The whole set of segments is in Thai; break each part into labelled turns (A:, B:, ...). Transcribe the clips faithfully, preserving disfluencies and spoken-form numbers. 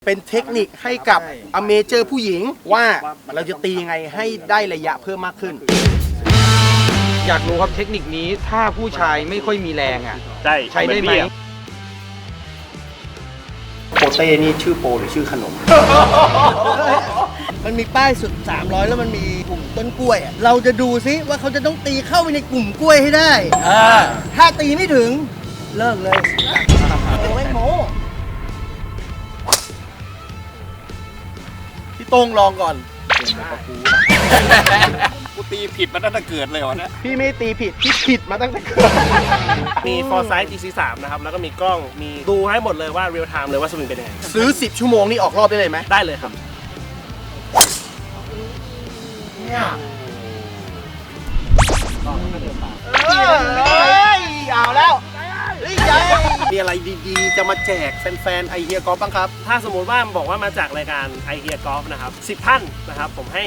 A: เป็นเทคนิคให้กับอเมเจอร์ผู้หญิงว่าเราจะตียังไงให้ได้ระยะเพิ่มมากขึ้น
B: อยากรู้ครับเทคนิคนี้ถ้าผู้ชายไม่ค่อยมีแรงอ่ะ
C: ใช่
B: ใช้ได้ไหม
A: โปเต้นี่ชื่อโปหรือชื่อขนม
D: มันมีป้ายสุดสามร้อยแล้วมันมีกลุ่มต้นกล้วยอะเราจะดูซิว่าเขาจะต้องตีเข้าไปในกลุ่มกล้วยให้ได้ถ้าตีไม่ถึงเลิกเลยโอ้ยโม
A: พี่โต้งลองก่อน
C: กูตีผิดมาตั้งแต่เกิดเลยวะเนี่ย
A: พี่ไม่ตีผิดพี่ผิดมาตั้งแต่เกิด
E: มี Foresight จี ซี สาม นะครับแล้วก็มีกล้องมีดูให้หมดเลยว่า real time เลยว่าสวิงเป็นยังไง
A: ซื้อสิบชั่วโมงนี่ออกรอบได้เลยไหม
E: ได้เลยครับ
A: เนี่ยเอ้ยเอาแล้วมีอะไรดีๆจะมาแจกแฟนๆไอเฮียกอล์ฟบ้างครับ
E: ถ้าสมมุติว่าบอกว่ามาจากรายการ I Hear Golf นะครับสิบท่านนะครับผมให้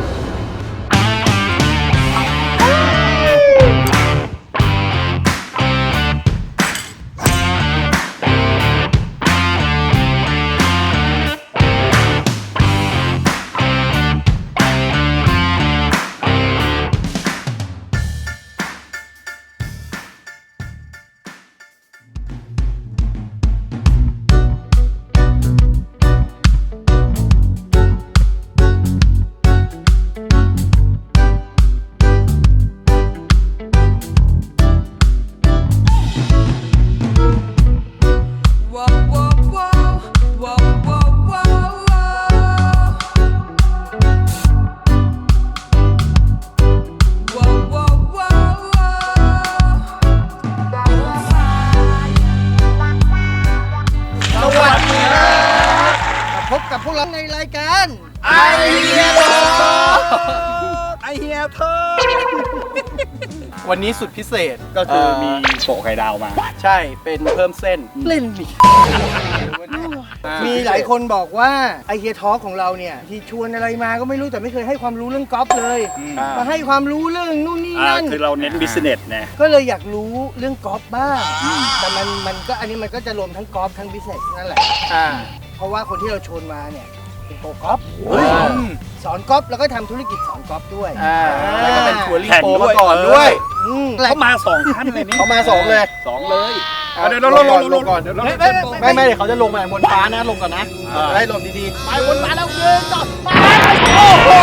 D: พบกับพวกเราในรายการ
A: ไอเฮียกอล์ฟไอเฮียเธอวันนี้สุดพิเศษก็คือมี
C: โปะไข่ดาวมา
A: ใช่เป็นเพิ่มเส้น
D: เล่นดิมีหลายคนบอกว่าไอเฮียทอล์กของเราเนี่ยที่ชวนอะไรมาก็ไม่รู้แต่ไม่เคยให้ความรู้เรื่องกอล์ฟเลยมาให้ความรู้เรื่องนู่นนี่นั่น
C: คือเราเน้นบิสเนสนะ
D: ก็เลยอยากรู้เรื่องกอล์ฟบ้างแต่มันมันก็อันนี้มันก็จะรวมทั้งกอล์ฟทั้งบิสเนสนั่นแหละเพราะว่าคนที่เราชวนมาเนี่ยเป็นโปรกอล์ฟสอนกอล์ฟแล้วก็ทำธุรกิจสอนกอล์ฟด้วย
A: แล้วก็เป็นทัวริ่งโปรมาก่อนด้วย
C: เขามาสองท่านเลยนี่
A: เขามาสองเลย
C: สองเลย
A: เดี๋ยวลงลงลงก่อนไม่ไม่เดี๋ยวเขาจะลงมาบนฟ้านะลงก่อนนะได้ลงดีๆไปบนฟ้าแล้วเดินต่อไปโอ้โห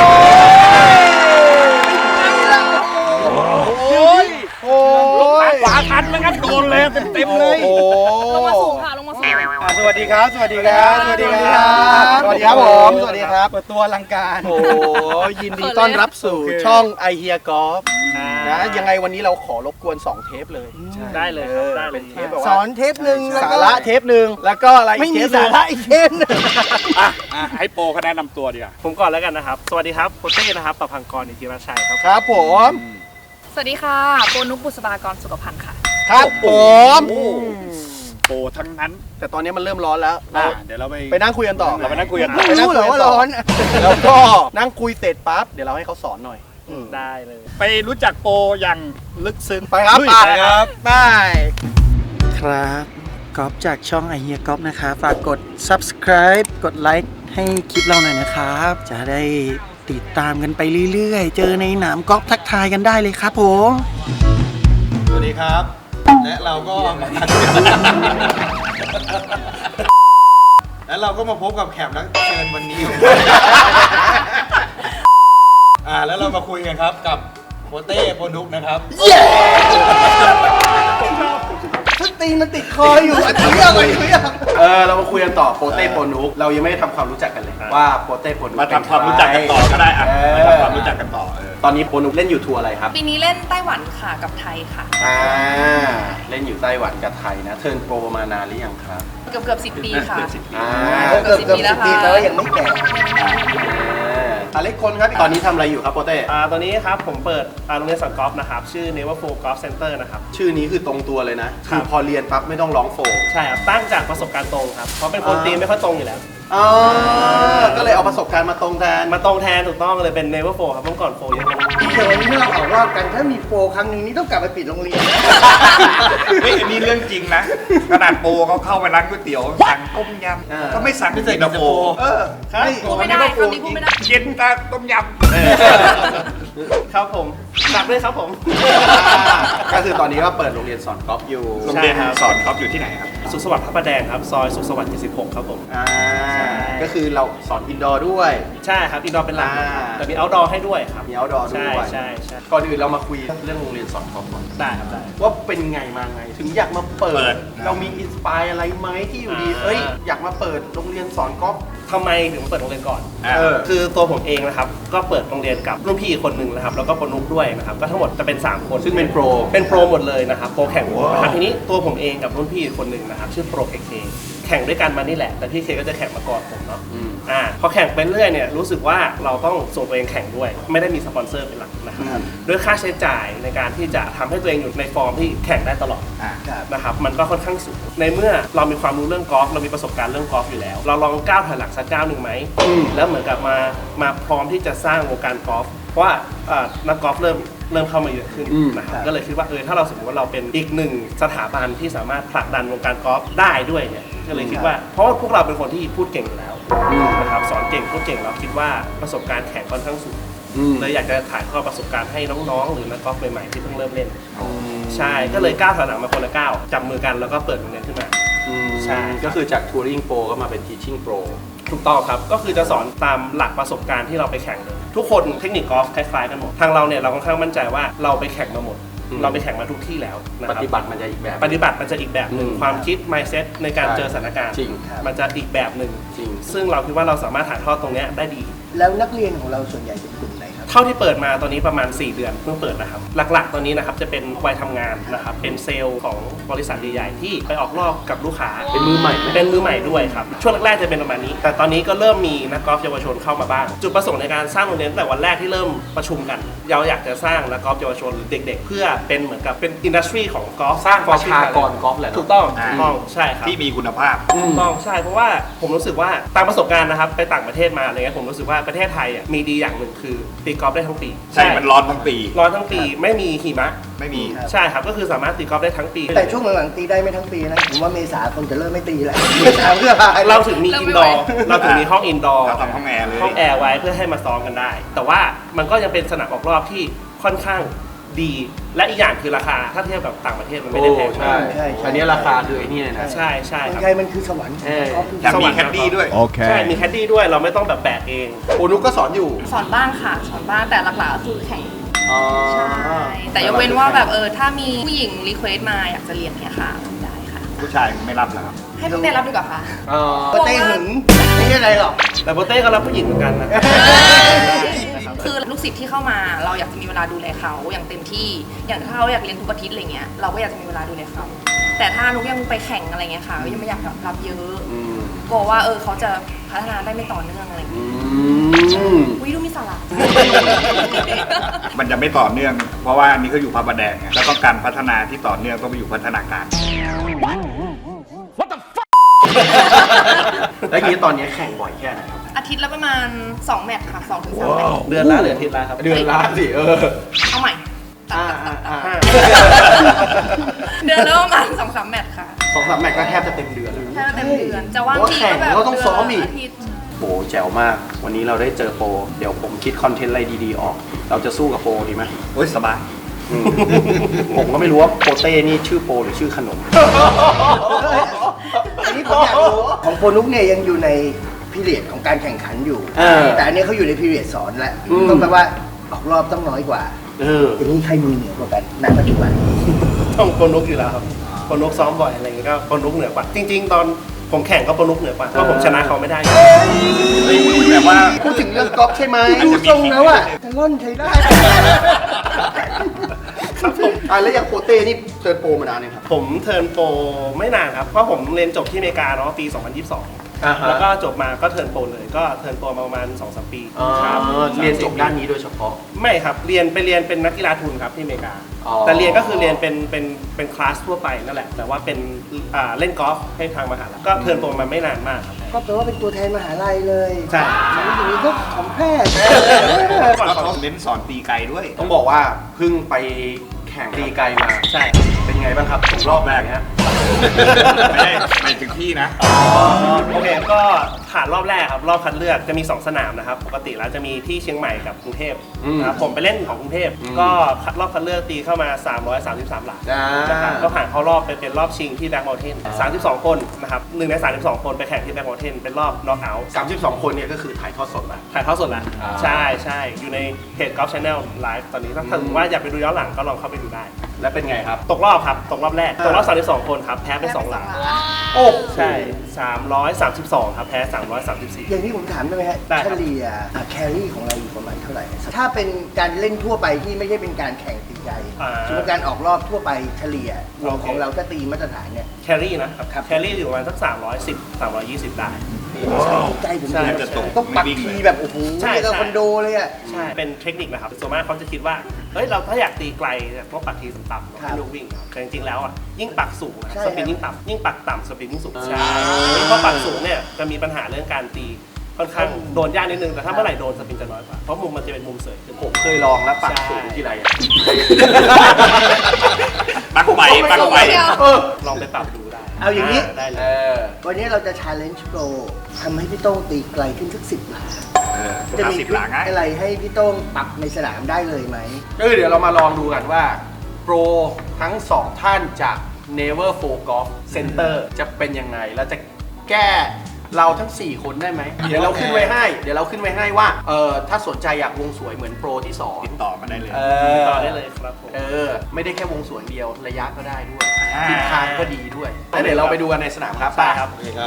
A: โอ้ยโอ้ย
C: ขวาทันแล้วครับโดนเลยเต็มๆเลย
F: ลงมาสูงค่ะลงมาสูง
A: สวัสดีครับสวัสดีครับสวัสดีครับสวัสดีครับผมสวัสดีครับเปิดตัวอลังการโอ้ยินดีต้อนรับสู่ช่องไอเฮียกอล์ฟนะยังไงวันนี้เราขอรบกวนสองเทปเลย
E: ได้เลยครับได้
A: เป็นเทป
D: สอนเทปหนึ่ง
A: สาระเทปหนึ่งแล้วก็อะไร
D: ไม่มีสาระอีกเทปนึง
C: ให้โปรเขาแนะนำตัวดีกว่า
E: ผมก่อนแล้วกันนะครับสวัสดีครับโปเต้นะครับประพังกรอิทธิราชัยครับ
A: ครับผม
F: สวัสดีค่ะโปนุกบุษบากรสุขพันธ์ค่ะ
A: ครับผม
C: โปรทั้งนั้น
A: แต่ตอนนี้มันเริ่มร้อนแล้ว
C: เดี๋ยวเราไป
A: ไปนั่งคุยกันต่อ
C: เราไปนั่งคุยกัน
D: ไม่รู้เหรอว่าร้อน
A: แล้วก็นั่งคุยเสร็จปั๊บเดี๋ยวเราให้เขาสอนหน่อย
E: ได้เลย
C: ไปรู้จักโปรอย่างลึกซึ้ง
A: ไปครับไปครับไป
D: ครับก๊อฟจากช่องไอเฮียก๊อฟนะคะฝากกด Subscribe กดไลค์ให้คลิปเราหน่อยนะครับจะได้ติดตามกันไปเรื่อยๆเจอในหนามก๊อฟทักทายกันได้เลยครับผม
A: สวัสดีครับและเราก็และเราก็มาพบกับแขกรับเชิญวันนี้อ่าแล้วเรามาคุยกันครับกับโปเต้โปนุกนะครับเย้
D: ชุดตีมันติดคออยู่อันนี้อะไรเนี่ย
A: เออเรามาคุยกันต่อโปเต้โปนุกเรายังไม่ได้ทำความรู้จักกันเลยว่าโปเต้โปนุก
C: มาทำความรู้จักกันต่อก็ได้อ่ะมาทำความรู้จักกันต่อ
A: ตอนนี้โปนุกเล่นอยู่ทัวร์อะไรครับ
F: ปีนี้เล่นไต้หวันค่ะกับไทยค่ะ
A: อ่าเล่นอยู่ไต้หวันกับไทยนะเทิร์นโปรมานานหรือยังครับ
F: เกือบเกือบสิบปีค่ะ
A: อ่า
D: เกือบสิบปีแล้วค่ะแต่ว่ายังไม่แก่
A: อเล็กคนครับตอนนี้ทำอะไรอยู่ครับโปเต้
E: อ่าตอนนี้ครับผมเปิดโรงเรียนสอนกอล์ฟนะครับชื่อ Never Four Golf Center นะครับ
A: ชื่อนี้คือตรงตัวเลยนะคือพอเรียนปั๊บไม่ต้องร้องโฟ
E: ใช่ครับตั้งจากประสบการณ์ตรงครับเพราะเป็นคนตีไม่ค่อยตรงอยู่แล้ว
A: อ๋อก็เลยเอาประสบการณ์มาตรงแทน
E: มาตรงแทนถูกต้องเลยเป็น Never Four ครับเมื่อก่อนโฟเยอะมาก
D: แต่วันนี้เราออกรอบกันถ้ามีโปรครั้งหนึ่งนี่ต้องกลับไปปิดโรงเรียน
C: เฮ้ยอันนี้เรื่องจริงนะขนาดโปเขาเข้าไปร้านก๋วยเตี๋ยวสั่งต้มย
A: เออ
C: ำก็ไม่สั่ง
A: ไม่ใส่
C: เย็นตาโฟ
A: เออ
E: ครับ
F: พูดไม่ได้คำนี้พูดไม่ได้
C: เย็นตาต้มย
E: ครับผมฝากด้วยครับผม
A: ก็คือตอนนี้ก็เปิดโรงเรียนสอนกอล์ฟอยู่
C: ำโรงเรียน
E: ใช่ครับ
C: สอนกอล์ฟอยู่ที่ไหนครับ
E: สุขสวัสดิ์พระประแดงครับ ซอยสุขสวัสดิ์เจ็ดสิบหกครับผม
A: อ่าก็คือเราสอนอินดอร์ด้วย
E: ใช่ครับอินดอร์เป็นหลัก
A: อ่า
E: แต่มีเอาท์ดอร์ให้ด้วยครับ
A: มีเอาดอร์ด้
E: ใช่
A: วย
E: ใช่ใช่
A: ก่อนอื่นเรามาคุยเรื่องโรงเรียนสอนกอล์ฟก่อน
E: ได้ครับได้
A: ว่าเป็นไงมาไง ถึงอยากมาเปิ
C: เปิ
A: ด
C: ด
A: เรามีอินสปายอะไรไหมที่อยู่ดี
E: อ่า
A: เอ้ยอยากมาเปิดโรงเรียนสอนกอล์ฟ
E: ทำไมถึงเปิดโรงเรียนก่อน
C: อ่า
A: เออ
E: คือตัวผมเองนะครับก็เปิดโรงเรียนกับรุ่นพี่อีกคนหนึ่งนะครับแล้วก็คนนุกด้วยนะครับก็ทั้งหมดจะเป็นสามคน
A: ซึ่งเป็นโปร
E: เป็นโปรหมดเลยนะครับโปรแข่งนะครับทีนี้ตัวผมเองกับรุ่นพี่อีกคนหนึ่งนะครับชื่อโปรเคเคแข่งด้วยกันมานี่แหละแต่พี่เคก็จะแข่งมาก่อนผมเนาะ
A: อืม
E: อ่าพอแข่งไปเรื่อยเนี่ยรู้สึกว่าเราต้องส่งตัวเองแข่งด้วย ไม่ได้มีสปอนเซอร์เป็นหลักนะครับด้วยค่าใช้จ่ายในการที่จะทำให้ตัวเองอยู่ในฟอร์มที่แข่งได้ตลอด
C: อ่า
E: นะครับมันก็ค่อนข้างสูงในเมื่อเรามีความรู้เรื่องกอล์ฟเรามีประสบการณ์เรื่องกอล์ฟอยู่แล้ว เราลองก้าวถอยหลังสักก้าวหนึ่งไหมแล้วเหมือนกับมามาพร้อมที่จะสร้างวงการกอล์ฟเพราะว่าเอ่อนักกอล์ฟเริ่มเริ่มเข้ามาเยอะขึ้น
A: อืม
E: นะครับก็เลยคิดว่าเออถ้าเราสมมติว่าเราเป็นอีกหนึ่งสถาบันที่สามารถผลักดันวงการกอล์ฟได้ด้วยเนี่ยก็เลยคิดว่าเพราะว่าพวกเราเป็นคนที่พูดเก่งอยู่แล้วนะครับสอนเก่งพูดเก่งเราคิดว่าประสบการณ์แข่งค่อนข้างสูง
A: อืม
E: เลยอยากจะถ่ายทอดประสบการณ์ให้น้องๆ หรือนักกอล์ฟใหม่ๆที่เพิ่งเริ่มเล่น ใช่ ก็เลยก้าวถอยหลังมาคนละก้าวจับมือกันแล้วก็เปิดโรงเรียนขึ้นมา
A: อืม
E: ใช่
A: ก็คือจากทัวริงโปรก็มาเป็นทีชิ่งโปร
E: ถูกต้องครับ ก็คือจะสอนตามหลักประสบการณ์ที่เราไปแข่งเลย ทุกคนเทคนิคกอล์ฟคล้ายๆกันหมด ทางเราเนี่ยเราค่อนข้างมั่นใจว่าเราไปแข่งมาหมด
A: อืม
E: เราไปแข่งมาทุกที่แล้วนะค
A: ป
E: รับ
A: ฏิบัติมันจะอีกแบบ
E: ปฏิบัติมันจะอีกแบบหนึ่ง
A: อืม
E: ความคิด mindset ในการ
A: ใช่
E: เจอสถานการณ์
A: จริง
E: มันจะอีกแบบหนึ่ง
A: จริง
E: ซึ่งเราคิดว่าเราสามารถถ่ายทอดตรงเนี้ยได้ดี
D: แล้วนักเรียนของเราส่วนใหญ่เป็นกลุ่มไหนครับ
E: เท่าที่เปิดมาตอนนี้ประมาณ สี่ เดือนเพิ่งเปิดนะครับ หลักๆ ตอนนี้นะครับจะเป็นวัยทำงานนะครับ เป็นเซลล์ของบริษัทใหญ่ๆที่ไปออกรอบกับลูกค้า
A: เป็นมือใหม่ไหม
E: เป็นมือใหม่ด้วยครับ ช่วงแรกๆจะเป็นประมาณนี้ แต่ตอนนี้ก็เริ่มมีนักกอล์ฟเยาวชนเข้ามาบ้าง จุดประสงค์ในการสร้างโรงเรียนตั้งแต่วันแรกที่เริ่มประชุมกัน เราอยากจะสร้างนักกอล์ฟเยาวชนหรือเด็ก ๆ เพื่อเป็นเหมือนกับเป็นอินดัสทรีของกอล์ฟสร้าง
A: ประชากรกอล์ฟแหละเนอะ
E: ถูกต้อง
C: อ่า
E: ถูกต้องใช่ครับ
C: ที่มีคุณภาพ
E: ถูกต้องใช่เพราะว่าผมรู้สึกว่าตามประสบการณ์นะครับไปต่างประเทศมาอะไรเงี้ยผมรู้สึกว่าประเทศไทยอ่ะมีดีอย่างหนึ่งคือตีกอล์ฟได้ทั้งปี
C: ใช่ มันร้อนทั้งปี
E: ร้อนทั้งปีไม่มีหิมะ
C: ไม่มี
E: ใช่ครับก็คือสามารถตีกอล์ฟได้ทั้งปี
D: แต่ช่วงหลังๆตีได้ไม่ทั้งปีนะ ผมว่าเมษาคนจะเริ่มไม่ตีแล้ว เมษาเพื่อพา
E: เราถึงมี
F: เริ่
E: อิ
F: ม
E: น
F: ไม่
E: ด
F: ไห
E: อ
F: ว
E: ร์เราถึงมีห้องอินดอร์
C: เราทำห้องแอร์เลย
E: ห้องแอร์ไว้เพื่อให้มาซ้อมกันได้ แต่ว่ามันก็ยังเป็นสนามออกรอบที่ค่อนข้างดี และอีกอย่างคือราคาถ้าเทียบกับต่างประเทศมันไม่ได้แพง
A: ใช่
E: มาก
D: ใช่ใช่
A: อันนี้ราคาคือไอ้นี่เลยนะ
E: ใช่ใช่
D: เมือง
E: ครับ
D: ไทยมันคือสวรรค์
A: เออ
D: กอล์ฟคือ
C: แถมมีแคดดี้ด้วย
E: ใช่มีแคดดี้ด้วยเราไม่ต้องแบบแบกเอง
A: โอนุกก็สอนอยู่
F: สอนบ้างค่ะ สอนบ้างแต่หลักๆก็คือแข่ง
A: อ๋อ
F: ใช่แต่ยกเว้นว่าแบบเออถ้ามีผู้หญิงรีเควสมาอยากจะเรียนเนี่ยค่ะได้ค่ะ
C: ผู้ชายไม่รับแล้วครับ
F: ให้พี่เต้รับดีกว่าค่ะ
A: อ๋อ
D: โปเต้หึงไม่ใช่อะไรหรอก
E: แต่โบเต้ก็รับผู้หญิงเหมือนกันนะ
F: คือลูกศิษย์ที่เข้ามาเราอยากจะมีเวลาดูแลเขาอย่างเต็มที่ อย่างถ้าเขาอยากเรียนทุกอาทิตย์อะไรเงี้ยเราก็อยากจะมีเวลาดูแลเขาแต่ถ้านุกยังไปแข่งอะไรเงี้ยค่ะก็ยังไม่อยากรับเยอะ
A: อืม
F: กลัวว่าเออเขาจะพัฒนาได้ไม่ต่อเนื่องอะไรเงี้ย
A: อืม
F: วิดูมีสาระ
C: มันจะไม่ต่อเนื่อง เพราะว่าอันนี้ก็อยู่พระประแดงไงแล้วก็การพัฒนาที่ต่อเนื่องต้องไปอยู่พัฒนาการ
A: แล้วทีนี้ตอนนี้แข่งบ่อยแค่ไหนครับ
F: อาทิตย์ละประมาณสองแมตช์ค่ะสองถึงสามแมตช์
E: เดือนละเหลืออาทิตย์ละครับ
A: เดือนละสิเออ
F: เอาใหม่
A: อ่าอ่าอ่า
E: ห้า
F: เดือนละประมาณสองสามแมตช์ค่ะ
A: สองสามแมตช์ก็แทบจะเต็มเดือนเลย
F: แค่เต็มเดือนจะว่าง
A: เพราะ
F: ที
A: แข่ง
F: ก็แบบ
A: ก็ต้องซ้อมอีก
F: เดืนละาทิตย์
A: โปแจ๋วมาก วันนี้เราได้เจอโปรเดี๋ยวผมคิดคอนเทนต์อะไรดีๆออก เราจะสู้กับโปรดีไหม
C: โอ้ยสบาย
A: อืมผมก็ไม่รู้ว่าโปเต้นี่ชื่อโปรหรือชื่อขนม
D: อันนี้ผมอยากรู้ของโปรนุกเนี่ยยังอยู่ในพีเรียดของการแข่งขันอยู่
A: เออ
D: แต่อันนี้เขาอยู่ในพีเรียดสอนแล้ว
A: อืม
D: ต้องแปลว่าออกรอบต้องน้อยกว่า
A: เออ
D: อย่างนี้ใครมือเหนือกว่ากันณปัจจุบัน
E: ต้องโปรนุกอยู่แล้วครับโปรนุกซ้อมบ่อยอะไรเงี้ยก็โปรนุกเหนือกว่า จริง ๆ ตอนผมแข่งก็โปรนุกเหนือกว่าเพราะผมชนะเขาไม่ได้
C: แต่ว่า
A: พูดถึงเรื่องกอล์ฟใช่ไหม
D: ดูทรงแล้วอะจะล่อนใช้ได้
A: ครับผมอ่ะแล้วอย่างโปเต้นี่เทิร์นโปรมานานเนี่ยงครับ
E: ผมเทิร์นโปรไม่นานครับ เพราะผมเรียนจบที่อเมริกาเนาะปี สองพันยี่สิบสอง
A: อ่าฮะ
E: แล้วก็จบมาก็เทิร์นโปรเลยก็เทิร์นโปรมาประมาณ สองสาม ปี
A: อ๋อ
E: ครับ
A: เรียนจบด้านนี้โดยเฉพาะ
E: ไม่ครับเรียนไปเรียนเป็นนักกีฬาทุนครับที่อเมริกา
A: อ๋อ
E: แต่เรียนก็คือเรียนเป็นเป็นเป็นคลาสทั่วไปนั่นแหละแต่ว่าเป็นอ่าเล่นกอล์ฟให้ทางมหาลัยก็เทิร์นโปรมาไม่นานมากครับ
D: ก็แปลว่าเป็นตัวแทนมหาลัยเลย
E: ใช่
D: อย่างนี้ก็ของแพทย์
C: แล้วเขาเน้นสอนตีไกลด้วย
A: ต้องบอกว่าเพิ่งไปแข่งตีไกลมา
E: ใช่
A: เป็นไงบ้างครับรอบแรกฮะ
C: ไม่ได้ไม่ถึงที่นะ
E: โอเคก็ผ่านรอบแรกครับรอบคัดเลือกจะมีสองสนามนะครับปกติแล้วจะมีที่เชียงใหม่กับกรุงเทพนะครับผมไปเล่นของกรุงเทพก็รอบคัดเลือกตีเข้ามาสามร้อยสามสิบสามหลักนะครับก็ผ่านเข้ารอบไปเป็นรอบชิงที่แบ็กมอลเทนสามสิบสองคนนะครับหนึ่งในสามสิบสองคนไปแข่งที่แบ็กมอลเทนเป็นรอบน็อกเอาท์
A: สามสิบสองคนเนี่ยก็คือถ่ายทอดสดแล้ว
E: ถ่ายทอดสดแล้ว
A: อ่า
E: ใช่ใช่อยู่ในเพจ Golf Channel Live ตอนนี้ถ้าถึงว่าอยากไปดูย้อนหลังก็ลองเข้าไปดูได้
A: และเป็นไงครับ
E: ตกรอบครับตกรอบแรกตกรอบสามสิบสองคนครับแพ้ไปสองหลัง
A: โอ้
E: ใช่สามร้อยสามสิบสองครับแพ้สามร้อยสามสิบสี่
D: อย่างนี้ผมถามได้ไหมฮะ
E: ได้ครับ
D: เฉลี่ยแครี่ของเราอยู่ประมาณเท่าไหร่ ถ้าเป็นการเล่นทั่วไปที่ไม่ใช่เป็นการแข่งตีใจ
E: อ่า
D: สมมติการออกรอบทั่วไปเฉลี่ย
E: โอเค
D: ของเราถ้าตีมาตรฐานเนี่ย
E: แครี่นะครับ
D: ครับ
E: แครี่อยู่ประมาณสักสามร้อยสิบ สามร้อยยี่สิบได้
D: ใจผม
E: ใช่
D: ดี
C: จะตก
D: ต้องปัก
C: ไม่วิ่ง
D: ที
C: เลย
D: แบบโอ้โห
E: ใช่
D: เนี่ยก็
E: ใช่
D: คอนโดเลยอ่ะ
E: ใช่เป็นเทคนิคนะครับส่วนมากเขาจะคิดว่าเฮ้ยเราถ้าอยากตีไกลเนี่ยต้องปักทีต่ำๆ
D: ครั
E: ให้
D: บ
E: ลูกวิ่งครับแต่จริงๆแล้วอ่ะยิ่งปักสูงนะ
D: ใช่
E: สปิน
D: ครับ
E: ยิ่งต่ำยิ่งปักต่ำสปินยิ่งสูงใช่เพราะปักสูงเนี่ยจะมีปัญหาเรื่องการตีค่อนข้างโดนยากนิดนึงแต่ถ้าเมื่อไหร่โดนสปินจะน้อยกว่าเพราะมุมมันจะเป็นมุมเสยขึ้น
A: ผมเคยลองแล้วปักสูงที่ไรอะ
C: ปักไปปักไป
A: เออ
E: ลองไปปรับดูได้
D: เอาอย่างนี้
E: ได้เล
A: เอย อ
D: วันนี้เราจะ challenge pro ทำให้พี่โต้งตีไกลขึ้นสักสิบหลา
C: เออ
D: จะ
C: ห้า
D: มี
C: สิบ
D: ทริ
C: หลั
D: ค
C: งไง
D: อะไรให้พี่โต้งปรับในสนามได้เลยไหม
A: ก็คือเดี๋ยวเรามาลองดูกันว่า โปรทั้งสองท่านจาก Never Four Golf Center จะเป็นยังไง แล้วจะแก้เราทั้ง สี่ คนได้ไหม เดี๋ยวเราขึ้นไว้ให้ เดี๋ยวเราขึ้นไว้ให้ว่า เออถ้าสนใจอยากวงสวยเหมือนโปรที่สอง
C: ติดต่อมาได้เลย
A: เอ
E: ติด
A: อ
E: ต่อได้เลยครับผม
A: เออ ไม่ได้แค่วงสวยเดียว ระยะก็ได้ด้วย
C: อ่า
A: ทิศทางก็ดีด้วยแล้วเดี๋ยวเราไปดูกันในสนามครับ
E: ได้ครับ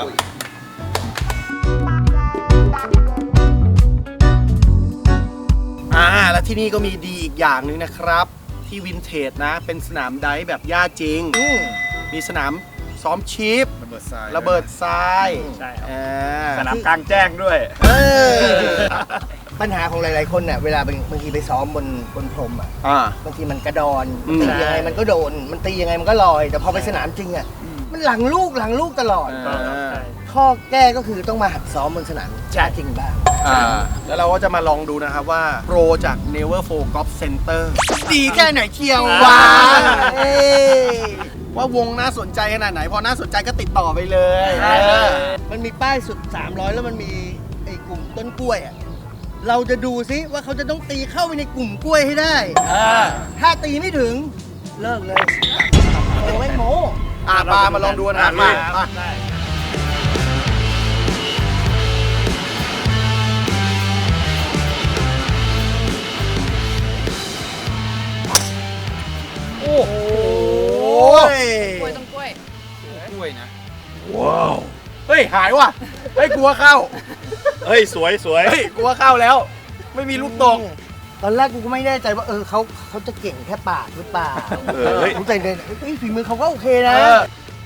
D: อ่าแล้วที่นี่ก็มีดีอีกอย่างหนึ่งนะครับ ที่วินเทจนะ เป็นสนามไดฟ์แบบหญ้าจริง มีสนามซ้อมชีพ
C: ระเบิดทราย
D: ระเบิดทราย
E: ใช่ครับ
D: อ่า
C: สนามกลางแจ้งด้วย
D: เออปัญหาของหลายๆคนเนี่ยเวลาบางบางทีไปซ้อมบนบนพรมอ่ะ
A: อ่า
D: บางทีมันกระดอน
A: อืม
D: ตียังไงมันก็โดน มันตียังไงมันก็ลอย แต่พอไปสนามจริงอ่ะมันหลังลูกหลังลูกตลอด
E: ก็ครับใช่
D: ข้อแก้ก็คือต้องมาหัดซ้อมบนสนามหญ้าจริงบ้าง
A: อ่า
D: แล้วเราก็จะมาลองดูนะครับว่าโปรจาก Never Four Golf Center ดีแค่ไหนเชียววะเอ้ยว่าวงน่าสนใจขนาดไหน พอน่าสนใจก็ติดต่อไปเลย
E: ได้เลย
D: เออมันมีป้ายสุด สามร้อย แล้วมันมีไอ้กลุ่มต้นกล้วยอ่ะ เราจะดูซิว่าเขาจะต้องตีเข้าไปในกลุ่มกล้วยให้ได้ ถ้าตีไม่ถึงเลิกเลยโอ้ไม่โมอ่ะปามาลองดูนะครับมามา
E: ได้
D: โอ้โห
F: กล้วยต้องกล้วย
B: กล้วยนะ
A: เฮ้ย หายว่ะ เฮ้ย กลัวเข้า
C: เฮ้ย สวยสวย
A: เฮ้ย กลัวเข้าแล้ว ไม่มีลูกตก
D: ตอนแรกกูก็ไม่แน่ใจว่าเออเขาเขาจะเก่งแค่ปากหรือเปล่า
C: เออเฮ้ย
D: ผมใจเย็นเฮ้ยฝีมือเขาก็โอเคนะ
A: เออ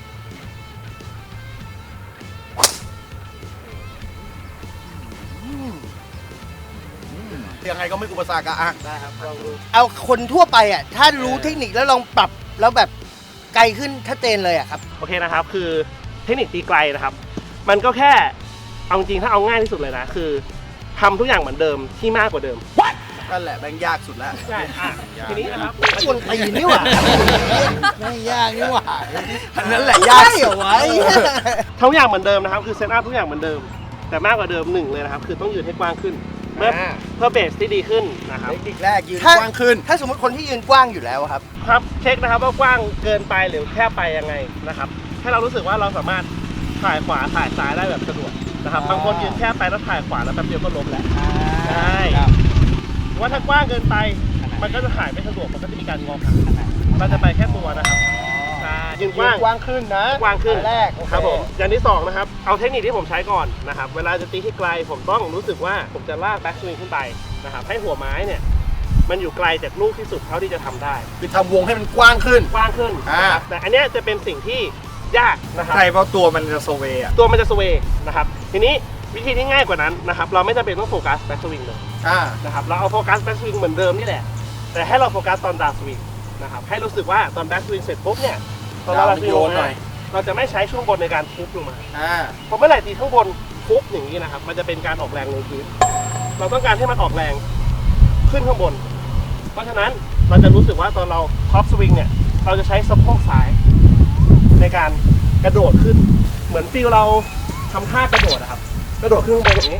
D: ยังไงก็ไม่อุปสรรคอะอ่ะได้ครับลองดูเอาคนทั่วไปอ่ะ ถ้ารู้เทคนิคแล้วลองปรับแล้วแบบไกลขึ้นชัดเจนเลยอ่ะครับ
E: โอเคนะครับคือเทคนิคตีไกลนะครับ มันก็แค่เอาจริงๆถ้าเอาง่ายที่สุดเลยนะคือทำทุกอย่างเหมือนเดิมที่มากกว่าเดิม
D: นั่นแหละแบงยากสุดแล้ว
E: ใช่อ่ะทีนี้นะครับ
D: ควรตีนี่หว่าไม่ยากนี่หว่าอันนั้นแหละยากเหรอวะ
E: ทำทุกอย่างเหมือนเดิมนะครับคือเซตอัพทุกอย่างเหมือนเดิม แต่มากกว่าเดิมหนึ่งเลยนะครับคือต้องยืนให้กว้างขึ้นเพื่อเพื่อเบสที่ดีขึ้นนะครับ
D: เทคนิคแรกยืน
A: ถ้า
D: กว้างขึ้น ถ้าสมมติคนที่ยืนกว้างอยู่แล้วอะครับ
E: ครับเช็คนะครับว่ากว้างเกินไปหรือแคบไปยังไงนะครับให้เรารู้สึกว่าเราสามารถถ่ายขวาถ่ายซ้ายได้แบบสะดวกนะครับ
D: อ๋อ
E: บางคนยืนแคบไปแล้วถ่ายขวาแล้วแป๊บเดียวก็ล้มแล้วใช่หรือว่าถ้ากว้างเกินไป มันก็จะถ่ายไม่สะดวกมันก็จะมีการงอขาเราจะไปแค่ตัวนะครับใช่ยืนกว้าง
D: กว้างขึ้นนะ
E: กว้างขึ้น
D: อันแรกโอเ
E: ครับผมอย่างที่สองนะครับเอาเทคนิคที่ผมใช้ก่อนนะครับเวลาจะตีที่ไกลผมต้องรู้สึกว่าผมจะลากแบ็กสวิงขึ้นไปนะครับให้หัวไม้เนี่ยมันอยู่ไกลจากลูกที่สุดเท่าที่จะทำได้
A: คือทำวงให้มันกว้างขึ้น
E: กว้างขึ้น
A: อ่า
E: นะครับแต่อันเนี้ยจะเป็นสิ่งที่ยากนะครับ
C: ใช่เพราะตัวมันจะโซเวย์อะ
E: ตัวมันจะสเวย์นะครับทีนี้วิธีที่ง่ายกว่านั้นนะครับเราไม่จำเป็นต้องโฟกัสแบ็กสวิงเลย
A: อ่า
E: นะครับเราเอาโฟกัสแบ็กสวิงเหมือนเดิมนี่แหละแต่ให้เราโฟกัสตอนดาวสวิงนะครับให้รู้สึกว่าตอนแบ็กสวิงเสร็จปุ๊บเนี่ยตอนเรา
A: ดาวมัน
E: สวิง
A: โยนหน่อย
E: เรเราจะไม่ใช้ช่วงบนในการทุบลงมา
A: อ่า
E: พอเมื่อไหร่ตีข้างบนทุบอย่างนี้นะครับมันจะเป็นการออกแรงลงพื้นเราต้องการให้มันออกแรงขึ้นข้างบน เพราะฉะนั้นเราจะรู้สึกว่าตอนเราท็อปสวิงเนี่ยเราจะใช้สะโพกซ้ายในการกระโดดขึ้น เหมือนฟีลเราทำท่ากระโดดนะครับกระโดดขึ้นข้างบนอย่างนี้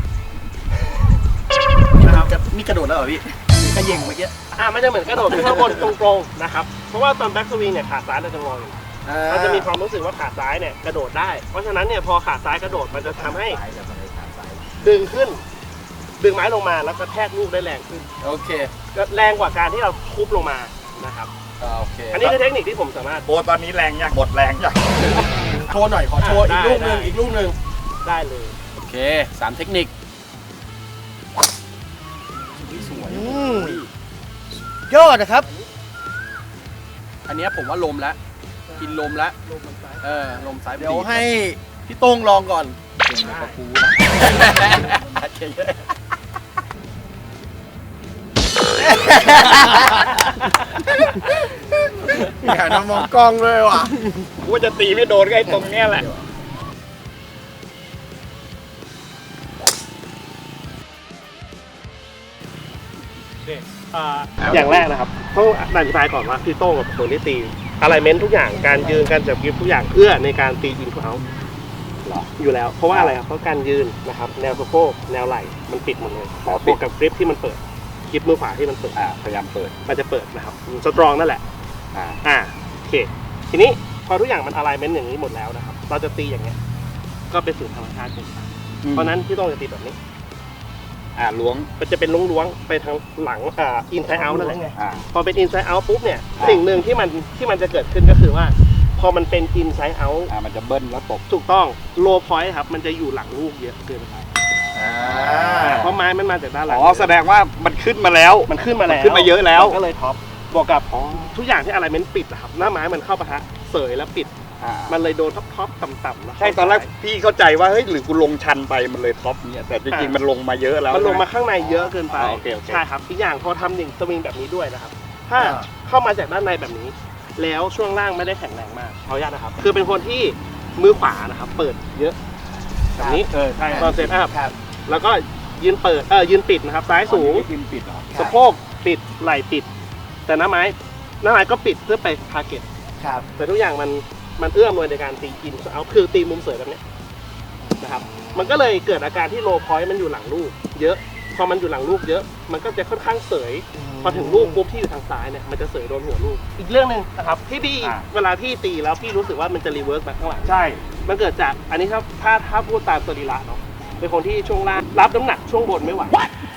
E: นะครับ
A: นี่กระโดดแล้วเหรอพี่กระเยงเมื่อกี้
E: อ่ามันจะเหมือนกระโดดขึ้นข้างบนตรงๆนะครับเพราะว่าตอนแบ็กสวิงเนี่ยขาซ้ายเราจะงออยู่เราจะมีความรู้สึกว่าขาซ้ายเนี่ยกระโดดได้เพราะฉะนั้นเนี่ยพอขาซ้ายกระโดดมันจะทำให้ดึงขึ้นดึงไม้ลงมาแล้วก็แทกลูกได้แรงขึ้น
A: โอเค
E: ก็แรงกว่าการที่เราทุบลงมานะครับ
A: โอเค
E: อันนี้คือเทคนิคที่ผมสามารถ
C: โบตอนนี้แรงยังหมดแรงยัง
A: โชว์หน่อยขอโชว์อีกลูกหนึ่ง
E: ได้
A: อีกลูกหนึ่ง
E: ได้เลย
A: โอเคสามเทคนิคยอดนะครับ อันนี้ผมว่าลมแล้วกินลมแล้วเออลมสายเดี๋ยวให้พี่โต้งลองก่อนเก่งกว่ากูนะอย่าน้ำมองกล้องเลยว่ะ
C: กูว่าจะตีไม่โดนก็ไอ้ตรงเนี้ยแหละ
E: อ่าอย่างแรกนะครับต้องอธิบายก่อนว่าพี่โต้งกับคนที่ตีอะไรเมนทุกอย่างการยืนการจับกริปทุกอย่างเพื่อในการตีอินเขาอยู่แล้วเพราะว่าอะไรครับเพราะการยืนนะครับแนวสะโพกแนวไหล่มันปิดหมดเลยบวกกับกริปที่มันเปิดกริปมือขวาที่มันเปิด
C: อ่าพยายามเปิด
E: มันจะเปิดนะครับสตรองนั่นแหละ
C: อ่า
E: อ่าโอเคทีนี้พอทุกอย่างมันอะไรเมนอย่างนี้หมดแล้วนะครับเราจะตีอย่างเงี้ยก็เป็นสูตรธรรมชาติเป็นเพราะนั้นพี่โต้งจะตีแบบนี้
C: อ่าล้วง
E: มันจะเป็นล้วงๆไปทางหลังอ่าอินไซด์เอาท์นั่นแหละ
C: อ่า
E: พอเป็นอินไซด์เอาท์ปุ๊บเนี่ย
C: อ่า
E: สิ่งหนึ่งที่มันที่มันจะเกิดขึ้นก็คือว่า พอมันเป็นอินไซด์เอาท์
C: อ่ามันจะเบิ้ลแล้วตก
E: ถูกต้องโลพอยต์ครับมันจะอยู่หลังลูกเยอะเกินไปเพราะไม้มันมาจากด้านหลัง
C: อ๋อแสดงว่ามันขึ้นมาแล้ว
E: มันขึ้นมาแล้ว
C: มันขึ้นมาเยอะแล้ว
E: มันก็เลยท็อปบวกกับทุกอย่างที่อะไรเมนปิดอะครับหน้าไม้มันเข้าปะทะเสยแล้วปิด
C: อ่า
E: มันเลยโดนท็อปท็อปต่ำๆแล้ว
C: ใช่ตอนแรกพี่เข้าใจว่าเฮ้ยหรือกูลงชันไปมันเลยท็อปเนี่ยแต่จริงๆมันลงมาเยอะแล้ว
E: มันลงมาข้างในเยอะเกินไป
C: อ่าโอเคโอเค
E: ใช่ครับอีกอย่างพอทำหนึ่งสวิงแบบนี้ด้วยนะครับถ้าเข้ามาจากด้านในแบบนี้ แล้วช่วงล่างไม่ได้แข็งแรงมากขออนุญาตนะครับ คือเป็นคนที่มือขวานะครับ เปิดเยอะแบบนี้
C: เออใช่
E: ตอนเซตอัพแล้วก็ยืนเปิดเออยืนปิดนะครับซ้ายสูง
C: ทีมปิดเหรอ
E: สะโพกปิดไหล่ปิด แต่หน้าไม้หน้าไม้ก็ปิดเพื่อไปทาร์เก็ต
A: ครับ
E: แต่ทุกอย่างมันมันเอื้อมเลยในการตีอินเอาคือตีมุมเสยแบบเนี้ยนะครับมันก็เลยเกิดอาการที่โลพอยต์มันอยู่หลังลูก เยอะพอมันอยู่หลังลูกเยอะ มันก็จะค่อนข้างเสยพอถึงลูกปุ๊บที่อยู่ทางซ้ายเนี่ยมันจะเสยโดนหัวลูกอีกเรื่องหนึ่งนะครับที่พี่เวลาพี่ตีแล้วพี่รู้สึกว่ามันจะรีเวิร์สมาข้างหลัง
C: ใช่
E: มันเกิดจากอันนี้ครับถ้าถ้าพูดตามสรีระเนาะเป็นคนที่ช่วงล่างรับน้ำหนักช่วงบนไม่ไหว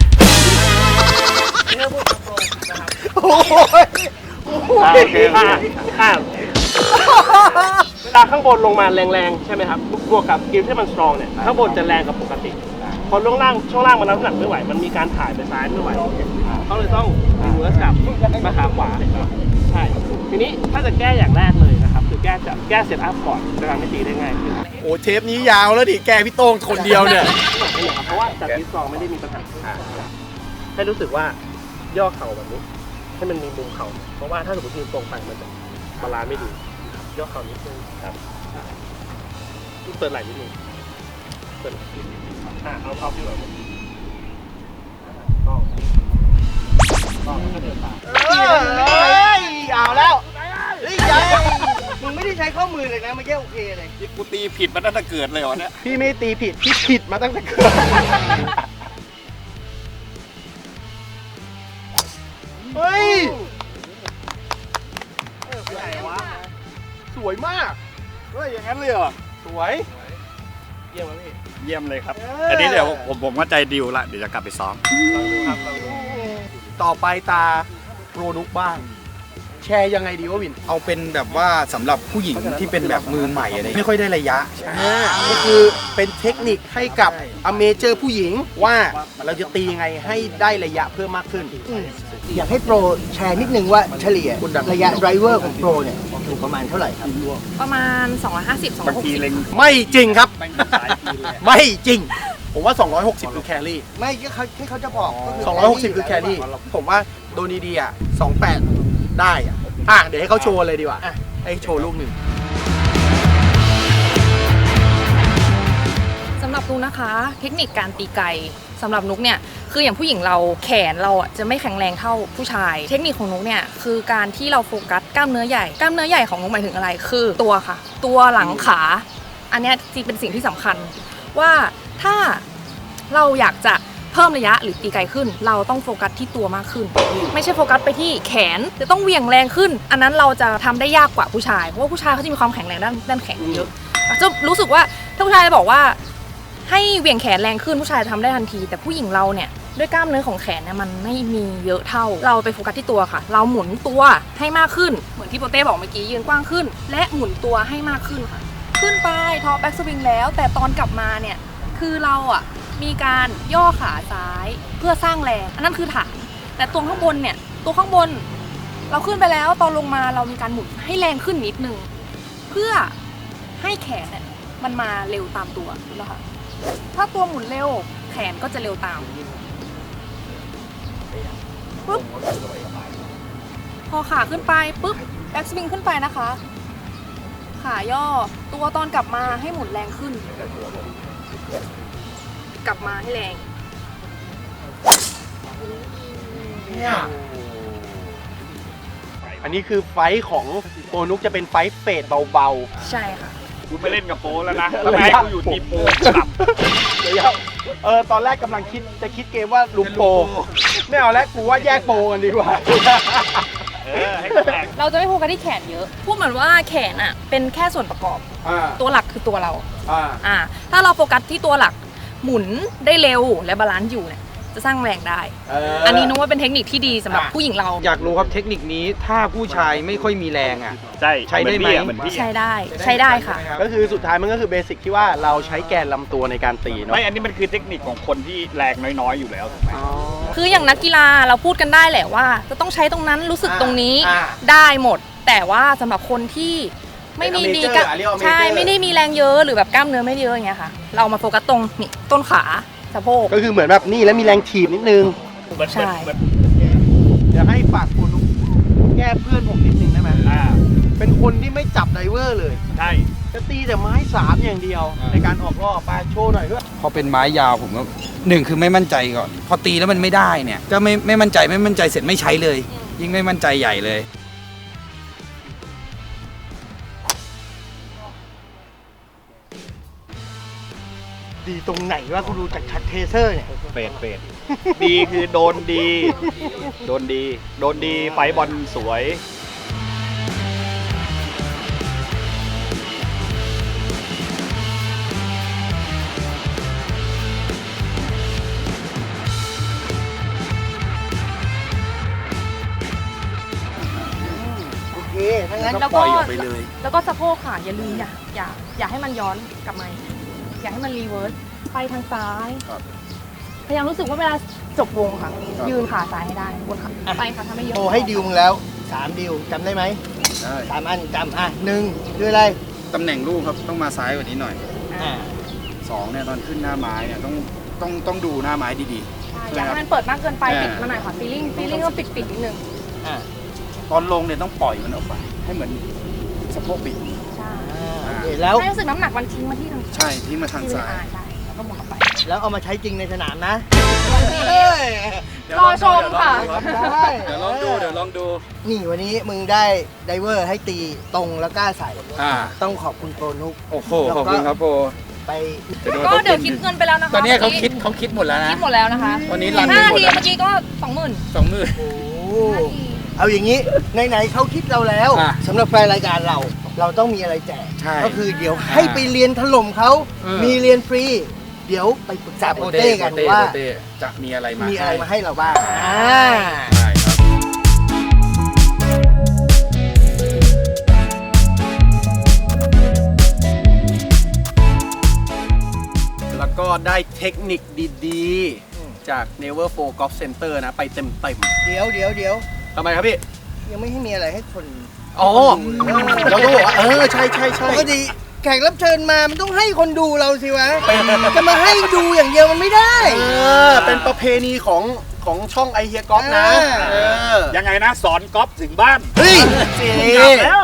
E: นี่ถ้าพูดตรงๆนะครับ
A: โอ้ย
E: อ่าโอเคอ่าอ่าเวลาข้างบนลงมาแรงๆใช่ไหมครับบวกกับกิฟที่มันสตรองเนี่ยข้างบนจะแรงกว่าปกติพอช่วงล่างช่วงล่างมันรับน้ำหนักไม่ไหวมันมีการถ่ายไปซ้ายไม่ไหวเขาเลยต้องรีเวิร์สกลับมาขาขวาใช่ทีนี้ถ้าจะแก้อย่างแรกเลยนะครับคือแก้จากแก้เซตอัพก่อนจะทำให้ตีได้ง่ายขึ้น
A: โอ้เทปนี้ยาวแล้วดิแกพี่โต้งคนเดียวเนี่ย
E: เพราะว่าจากที่สองไม่ได้มีปัญหาให้รู้สึกว่าย่อเข่าแบบนี้ให้มันมีมุมเข่าเพราะว่าถ้าสมมติยืนตรงไปมันจะบาลานซ์ไม่ดีย่อเข่านิดนึงครับเปิดไหล่นิดนึงเปิดไหล่นิดนึงอ่ะเอาเอาที่แบบนี้ต้องต้องแล้วก็เดินตาม
A: เอ้ยเอาแล้วเฮ้ยยัยมึงไม่ได้ใช้ข้อมือเลยนะเมื่อกี้โอเคเลย
C: นี่กูตีผิดมาตั้งแต่เกิดเลยเหรอเนี่ย
A: พี่ไม่ตีผิดพี่ผิดมาตั้งแต่เกิดเฮ้ยสวยมาก
C: เฮ้ยอย่างนั้นเลยเหรอ
A: สวย
E: เยี่ยมไหมพี่
C: เยี่ยมเลยครับ
A: เอออั
C: อันนี้เดี๋ยวผมผมก็ใจดิวละเดี๋ยวจะกลับไปซ้อม
E: ลองดูครับลองดู
A: ต่อไปตาโปรนุกบ้าง แชร์ยังไงดีวะวิน
B: เอาเป็นแบบว่าสำหรับผู้หญิงที่เป็นแบบมือใหม่อะไรไม่ค่อยได้ระยะ
A: อ่าก็คือเป็นเทคนิคให้กับอเมเจอร์ผู้หญิงว่าเราจะตียังไงให้ได้ระยะเพิ่มมากขึ้น
G: อยากให้โปรแชร์นิดนึงว่าเฉลี่ยระยะไดรเวอร์ของโปรเนี่ยอยู่ประมาณเท่าไหร่ครับ
F: ประมาณ สองร้อยห้าสิบ สองร้อยหกสิบ
A: ไม่จริงครับ ไม่จริง ผมว่า สองร้อยหกสิบคือแครี่
G: ไม่ก็เขาที่เขาจะบอกก็คื
A: สองร้อยหกสิบคือแครี่ ผมว่าโดนดีๆอ่ะสองแปดได้อ่ะ อ่ะ เดี๋ยวให้เขาโชว์เลยดีกว่า ให้โชว์ลูกหนึ่ง
F: ำหรับนุกนะคะ เทคนิคการตีไกลสำหรับนุกเนี่ยคืออย่างผู้หญิงเราแขนเราอ่ะจะไม่แข็งแรงเท่าผู้ชาย เทคนิคของนุกเนี่ยคือการที่เราโฟกัสกล้ามเนื้อใหญ่กล้ามเนื้อใหญ่ของนุกหมายถึงอะไรคือตัวค่ะ ตัวหลังขา อันเนี้ยที่เป็นสิ่งที่สำคัญว่าถ้าเราอยากจะเพิ่มระยะหรือตีไกลขึ้น เราต้องโฟกัสที่ตัวมากขึ้น ไม่ใช่โฟกัสไปที่แขนจะต้องเหวี่ยงแรงขึ้น อันนั้นเราจะทำได้ยากกว่าผู้ชายเพราะว่าผู้ชายเขาจะมีความแข็งแรงด้านด้านแขนเยอะจะรู้สึกว่าถ้าผู้ชายบอกว่าให้เหวี่ยงแขนแรงขึ้นผู้ชายทำได้ทันที แต่ผู้หญิงเราเนี่ยด้วยกล้ามเนื้อของแขนเนี่ยมันไม่มีเยอะเท่าเราไปโฟกัสที่ตัวค่ะ เราหมุนตัวให้มากขึ้นเหมือนที่โปเต้บอกเมื่อกี้ยืนกว้างขึ้น และหมุนตัวให้มากขึ้นค่ะขึ้นไปทอแบ็กสวิงแล้วแต่ตอนกลับมาเนี่ยคือเราอ่ะมีการย่อขาซ้ายเพื่อสร้างแรงอันนั้นคือฐานแต่ตัวข้างบนเนี่ยตัวข้างบนเราขึ้นไปแล้วตอนลงมาเรามีการหมุนให้แรงขึ้นนิดนึงเพื่อให้แขนเนี่ยมันมาเร็วตามตัวนะคะถ้าตัวหมุนเร็วแขนก็จะเร็วตามปุ๊บพอขาขึ้นไปปุ๊บแบ็กสวิงขึ้นไปนะคะขาย่อตัวตอนกลับมาให้หมุนแรงขึ้นกลับมาให้แรง
A: เนี่ย อันนี้คือไฟท์ของโปนุกจะเป็นไฟท์เฟดเบา
F: ใช่ค่ะ
C: กูไม่เล่นกับโปแล้วนะแล้วให้กูอยู่ทีมโปกลับ
A: ๆเดี๋ยวเออตอนแรกกำลังคิดจะคิดเกมว่าลุมโป ไม่เอาแล้วกูว่าแยกโปกันดีกว่า
C: เออให้กูแตก
F: เราจะไม่โฟกัสที่แขนเยอะพูดเหมือนว่าแขนอ่ะเป็นแค่ส่วนประกอบ
A: อ่า
F: ตัวหลักคือตัวเรา
A: อ่า
F: อ่าถ้าเราโฟกัสที่ตัวหลักหมุนได้เร็วและบาลานซ์อยู่เนี่ยจะสร้างแรงได้
A: เออ
F: อันนี้นึกว่าเป็นเทคนิคที่ดีสำหรับผู้หญิงเรา
B: อยากรู้ครับเทคนิคนี้ถ้าผู้ชายไม่ค่อยมีแรงอ่ะ
C: ใช่
B: ใช้ได้ไหม
C: เหมือนพี่
F: ใช้ได้ใช้ได้ค่ะ
A: ก็คือสุดท้ายมันก็คือเบสิกที่ว่าเราใช้แกนลำตัวในการตีเนาะ
C: ไม่อันนี้มันคือเทคนิคของคนที่แรงน้อยๆอยู่แล้วถูกไหม
F: คืออย่างนักกีฬาเราพูดกันได้แหละว่า จะต้องใช้ตรงนั้นรู้สึกตรงนี้
A: อ่า
F: ได้หมด แต่ว่าสำหรับคนที่ไม่มี
A: เป็น
F: ดี
A: amateur
F: กับ
A: อ่ะเรียกว่า amateur
F: ใช่ไม่ได้มีแรงเยอะหรือแบบกล้ามเนื้อไม่เยอะอย่างเงี้ยค่ะ เรามาโฟกัสตรงนี่ต้นขาสะโพก
A: ก็คือเหมือนแบบนี่แล้วมีแรงถีบนิดนึง
C: เหมือน
F: ใช่
C: เหมือน
A: เดี๋ยวให้ฝากคุณแก้เพื่อนผมนิดนึงได้ไหม
C: อ่า
A: เป็นคนที่ไม่จับไดเวอร์เลย
C: ใช่
A: จะตีแต่ไม้สามอย่างเดียว
B: อ่า
A: ในการออกรอบไปโชว์หน่อยด้วย
B: พอเป็นไม้ยาวผมก็หนึ่งคือไม่มั่นใจก่อน พอตีแล้วมันไม่ได้เนี่ยก็ไม่ไม่มั่นใจไม่มั่นใจเสร็จไม่ใช้เลย ยิ่งไม่มั่นใจใหญ่เลย
A: ดีตรงไหนว่ากูดูจากชัดเทเซอร์เนี่ย
C: เฟดเฟดดีคือโดนดี โดนดี โดนดีไฟบอลสวย
A: โอเคถ้างั้น
F: แล้ว
B: ปล่
F: ก็
B: อยออกไปเลย
F: แล้วก็สะโพกค่ะอย่าลืมอย่าอย่าอย่าให้มันย้อนกลับมาอย่าให้มันรีเวิร์สไปทางซ้ายพยายามรู้สึกว่าเวลาจบวงค่ะ ยืนขาซ้ายให้ได้บนขาไปค่ะถ้าไม่เยอะ
G: โทรให้ดิวมึงแล้วสามดิวจำได้ไหม
B: ได้
G: สามอันจำอ่ะหนึ่งคืออะไร
B: ตำแหน่งลูกครับต้องมาซ้ายกว่านี้หน่อย
G: อ่า
B: สองเนี่ยตอนขึ้นหน้าไม้เนี่ยต้องต้องต้องดูหน้าไม้ดี
F: ใช่อย่าให้มันเปิดมากเกินไป
B: อ่า
F: ปิดมาหน่อยค่ะฟีลิ่งฟีลิ่งก็ปิดปิดนิดนึง
G: อ่า
B: ๆ ตอนลงเนี่ยต้องปล่อยมันออกไปให้เหมือนสะโพกบิด
F: ใช่
G: โอเคแล้ว
F: ให้รู้สึกน้ำหนักมันทิ้งมาที่ทาง
B: ใช่ทิ้งมาทางซ้าย
F: อ่ใช่แล้วก็หมุนออกไป
G: แล้วเอามาใช้จริงในสนามนะ
F: รอชมค่ะ
G: ได้
B: เดี๋ยวลองดูเดี๋ยวลองดู
G: นี่วันนี้มึงได้ไดเวอร์ให้ตีตรงแล้วกล้าใส่
B: อ่า
G: ต้องขอบคุณโปรนุก
B: โอ้โหขอบคุณครับโป
G: ไป
F: ก็เดี๋ยวคิดเงินไปแล้วนะคะ
B: ตอนนี้เขาคิดเขาคิดหมดแล้วนะ
F: คิดหมดแล้วนะคะ
B: วันนี้รันไป
F: ห้า
B: หม
F: นา
B: ด
F: ที
B: แล้ว
F: เมื่อกี้ก็สองหมื่น
B: สองหมื่น
G: โอ้เอาอย่างนี้ไหนๆเขาคิดเราแล้ว
B: อ่ะ
G: สำหรับแฟนรายการเรา เราต้องมีอะไรแจก
B: ใช่
G: ก็คือเดี๋ยวให้ไปเรียนถล่มเขา
B: เออ
G: มีเรียนฟรี เดี๋ยวไปปรึกษาโปเต้กันว่า
B: โปเต้จะมีอะไรมา
G: มีอะไรมาให้เราบ้างอ่า
B: ได้ครับ
A: แล้วก็ได้เทคนิคดีๆ จาก Never Four Golf Center นะ ไปเต็ม
G: เดี๋ยวเดี๋ยวเดี๋ยว
A: ๆทำไมครับพี่
G: ยังไม่ให้มีอะไรให้คน
A: อ๋อ เราต้องบอกว่า เออ ใช่ใช่ใช่
G: ปกติแขกรับเชิญมามันต้องให้คนดูเราสิวะ จะมาให้ดูอย่างเดียวมันไม่ได้
A: เออ เป็นประเพณีของของช่องไอเฮียกอล์ฟนะ
G: อ่า
A: เออ
C: ยังไงนะ สอนกอล์ฟถึงบ้าน
G: เฮ้ยเจ๊
C: กลับแล้ว
G: เ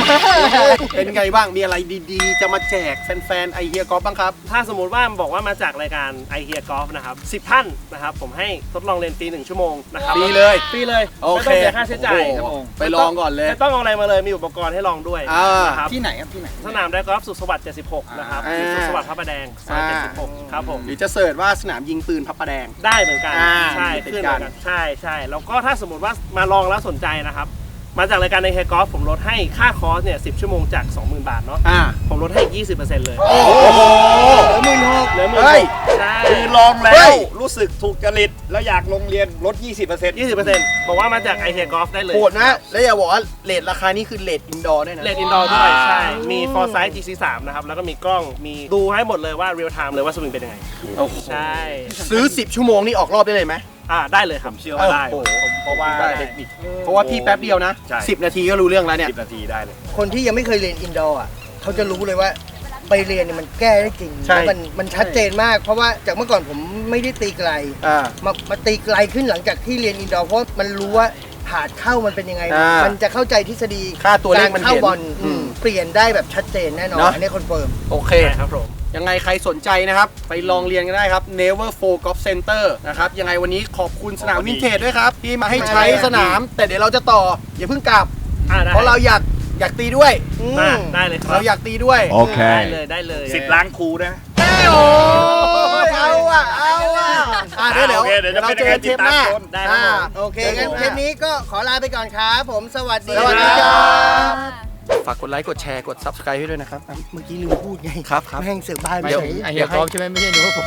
A: เป็นไงบ้างมีอะไรดีๆ จะมาแจกแฟนๆไอเฮียกอล์ฟบ้างครับ
E: ถ้าสมมุติว่าบอกว่ามาจากรายการ I Hear Golf นะครับสิบท่านนะครับผมให้ทดลองเรียนฟรีหนึ่งชั่วโมงนะครับ
A: ฟรีเลย
E: ฟรีเลย
A: โอ
E: ไม่
A: เค
E: ต้องเสียค่าใช้จ่าย
A: โอ้โหไปลองก่อนเลย
E: ไม่ต้องเอาอะไรมาเลยมีอุปกรณ์ให้ลองด้วย
A: อ่า
E: นะครับ
B: ที่ไหนครับที่ไหน
E: สนามไดกอล์ฟสุขสวัสดิ์เจ็ดสิบหกนะครับ
A: อ่า
E: สุขสวัสดิ์พระประแดงซอยเจ็ดสิบหกครับผม
A: หรือจะเสิร์ชว่าสนามยิงปืนพระประแดง
E: ได้เหมือนกัน
A: อ่า
E: ใช่
A: ติด
E: ขึ้น
A: กั
E: เหมือน นกันใช่ใช่แล้วก็ถ้าสมมติว่ามาลองแล้วสนใจนะครับมาจากรายการในเฮกอล์ฟผมลดให้ค่าคอร์สเนี่ยสิบชั่วโมงจาก สองหมื่น บาทเนาะ
A: อ่า
E: ผมลดให้ยี่สิบเปอร์เซ็นต์เลย
A: โอ้โหเหลือหมื่นหก
E: เหลือหมื่น
A: เฮ้ย
E: ใช่
C: คือลองแล้
A: เฮ้
C: วย รู้สึกถูกจริตแล้วอยากลงเรียนลด ยี่สิบเปอร์เซ็นต์
E: ยี่สิบเปอร์เซ็นต์บอกว่ามาจากไอเฮียกอล์ฟได้เลย
A: โหดนะ แล้วอย่าบอกว่าเลทราคานี้คือเลทอินดอร์ด้วยนะ
E: เลดอินดอร์ด้วยใช่ มี Foresight จี ซี สาม นะครับ แล้วก็มีกล้อง มีดูให้หมดเลยว่า real time เลยว่าสวิงเป็นยังไง
A: โอ้โห
E: ใช่
A: ซื้อ สิบ ชั่วโมงนี่ออกรอบได้เลยไหม
E: อ่าได้เลยครับ
C: เชื่อว่าได้
A: โอ้โห
C: เพราะว่า
A: ได้
C: เทคนิค
A: เพราะว่าพี่แป๊บเดียวนะ
C: ใช่
A: สิบ นาทีก็รู้เรื่องแล้วเนี่ย
C: สิบนาทีได้เลย
G: คนที่ยังไม่เคยเรียนอินดอร์อ่ะเขาจะรู้เลยว่าไปเรียนเนี่ยมันแก้ได้จริง
A: ใช่
G: แล้วมันมันชัดเจนมาก เพราะว่าจากเมื่อก่อนผมไม่ได้ตีไกล
A: อ่า
G: มามาตีไกลขึ้นหลังจากที่เรียนอินดอร์เพราะมันรู้ว่าผาดเข้ามันเป็นยังไง
A: อ่ามั
G: มันจะเข้าใจทฤษฎี
A: ค่าตัวเลขมัน
G: การเข้า
A: เห็น
G: บอล
A: อืม
G: เปลี่ยนได้แบบชัดเจนแน่นอน
A: เนอะ
G: อันนี้คอนเฟิร์ม
A: โอเค
E: ใช่ครับผม
A: ยังไงใครสนใจนะครับ ไปลองเรียนกันได้ครับ Never Four Golf Center นะครับ ยังไงวันนี้ขอบคุณสนามวินเทจด้วยครับ ที่มาให้ใช้สนาม แต่เดี๋ยวเราจะต่อ อย่าเพิ่งกลับ
E: อ่าได้
A: เพราะเราอยากอยากตีด้วย
E: มาได้เลยครับ
A: เราอยากตีด้วย
E: ได้เลยได้เลย
C: สิบล้านครูได้ไหม
A: โอ้ยเอาอ่ะ เอาอ่ะอ่ะเดี๋ยวเดี๋ยว
C: โอเคเดี๋ยวจะ
A: เรา
C: เป็น
A: เจ
C: ยัง
A: อ
C: ไง
A: เทปหน้า
C: ติดตามชม
E: ได้ครับ
A: อ่า
E: ผม
G: โอเคงั้นเทปนี้ก็ขอลาไปก่อนครับผมสวัสดี
A: สวัสดีค
G: ค
A: รั
G: รับ บ
A: ฝากกดไลค์ กดแชร์ กด Subscribe ให้ด้วยนะครับ
G: เมื่อกี้ลืมพูดไง
A: ครับครับ
G: แม่งเสือกบ้านไป
B: เดี๋ยว
G: เฉย
B: ไอเฮียกอล์ฟใช่ไหมไม่ใช่หนูว่าผม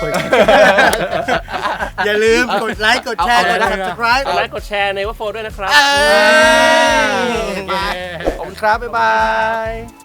G: อย่าลืมกดไลค์กดแชร์
B: เอา
G: กด
B: เอา
G: subscribe
E: กดไลค์กดแชร์ในว่าโฟด้วยนะครับ
A: เอ้ยขอบคุณครับ บ๊ายบาย